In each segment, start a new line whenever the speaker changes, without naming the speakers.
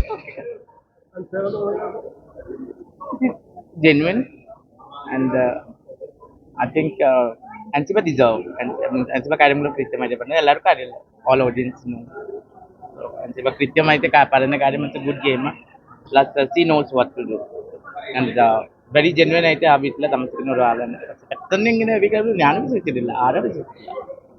Genuine, and I think Ansiba deserve. And Ansiba കാര്യങ്ങൾ കൃത്യമായിട്ട് പറഞ്ഞത് എല്ലാവർക്കും അറിയില്ല, all audience. Ansiba കൃത്യമായിട്ട് പറയുന്ന കാര്യം it's a good game. Plus she knows what to do. And very genuine ആയിട്ട് ആ വീട്ടിലെ താമസിക്കുന്ന ഒരാളാണ്. പെട്ടെന്ന് ഇങ്ങനെ ഞാനും വിശ്വസിച്ചിട്ടില്ല, ആരും വിശ്വസിച്ചില്ല.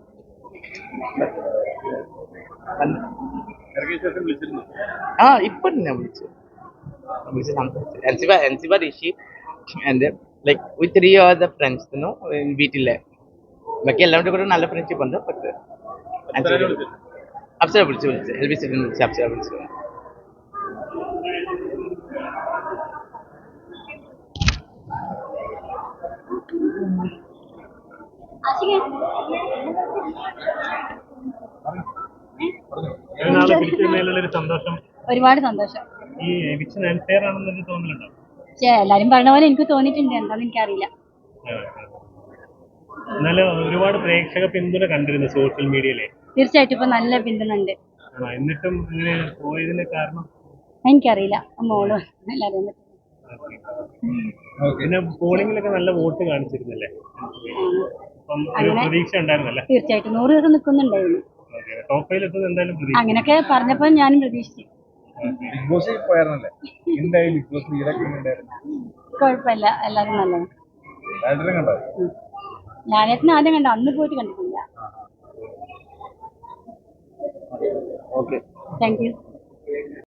ആ ഇപ്പൊ ഞാൻ വിളിച്ചു സംസാരിച്ചു. Ansiba Rishi and like with 3 other friends, വീട്ടിലെ ബാക്കി എല്ലാവരുടെ കൂടെ നല്ല ഫ്രണ്ട്ഷിപ്പ് ഉണ്ട്. പക്ഷേ അപ്സര വിളിച്ചു LB സിറ്റിനെ വിളിച്ച് അപ്സര വിളിച്ചു.
സന്തോഷം,
ഒരുപാട് സന്തോഷം.
ഈ എവിക്ഷൻ അൺഫെയർ ആണെന്നൊരു തോന്നലുണ്ടോ?
എല്ലാരും പറഞ്ഞ പോലെ എനിക്ക് തോന്നിയിട്ടുണ്ട്, എന്താന്ന് എനിക്കറിയില്ല.
എന്നാലും ഒരുപാട് പ്രേക്ഷക പിന്തുണ കണ്ടിരുന്നു സോഷ്യൽ മീഡിയയിലെ.
തീർച്ചയായിട്ടും ഇപ്പൊ നല്ല പിന്തുണ ഉണ്ട്.
എന്നിട്ടും ഇങ്ങനെ പോയതിന് കാരണം
എനിക്കറിയില്ല, മോള് എല്ലാരും.
പിന്നെ പോളിംഗിലൊക്കെ നല്ല വോട്ട് കാണിച്ചിരുന്നല്ലേ? അപ്പം ഒരു പ്രതീക്ഷ ഉണ്ടായിരുന്നല്ലേ?
തീർച്ചയായിട്ടും 100 ദിവസം നിൽക്കുന്നുണ്ടായിരുന്നു.
ടോപ്പ് 5 എത്തുന്നത് എന്തായാലും
അങ്ങനെയൊക്കെ പറഞ്ഞപ്പോ ഞാനും പ്രതീക്ഷിച്ചു. കുഴപ്പമില്ല, എല്ലാരും നല്ലത്. ഞാനേത്തിന് ആദ്യം കണ്ട, അന്ന് പോയിട്ട് കണ്ടിട്ടില്ല. Thank U.